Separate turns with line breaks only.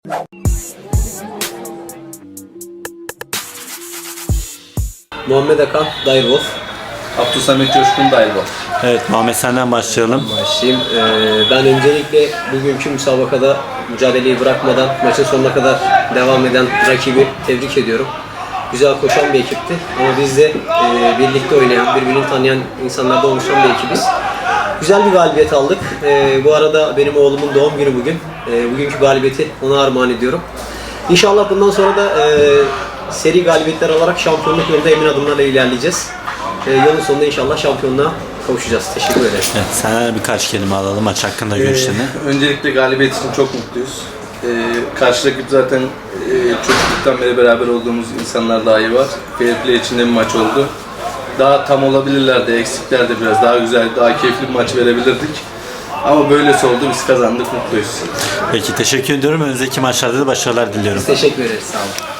Muhammed Akan, Direwolf.
Abdülsamet Coşkun Direwolf.
Evet, Muhammed senden başlayalım.
Başlayayım. Ben öncelikle bugünkü müsabakada mücadeleyi bırakmadan maçın sonuna kadar devam eden rakibi tebrik ediyorum. Güzel koşan bir ekipti ama biz de birlikte oynayan, birbirini tanıyan insanlardan oluşan bir ekibiz. Güzel bir galibiyet aldık. Bu arada benim oğlumun doğum günü bugün. Bugünkü galibiyeti ona armağan ediyorum. İnşallah bundan sonra da seri galibiyetler alarak şampiyonluk yolunda emin adımlarla ilerleyeceğiz. Yolun sonunda inşallah şampiyonluğa kavuşacağız. Teşekkür ederim.
Evet, senden birkaç kelime alalım maç hakkında görüşlerini.
Öncelikle galibiyet için çok mutluyuz. Karşı rakip zaten çocukluktan beri beraber olduğumuz insanlar dahi var. Fair play içinde bir maç oldu. Daha tam olabilirlerdi, eksiklerdi biraz. Daha güzel, daha keyifli bir maç verebilirdik. Ama böylesi oldu, biz kazandık, mutluyuz.
Peki, teşekkür ediyorum. Önümüzdeki maçlarda da başarılar diliyorum.
Teşekkür ederiz. Sağ olun.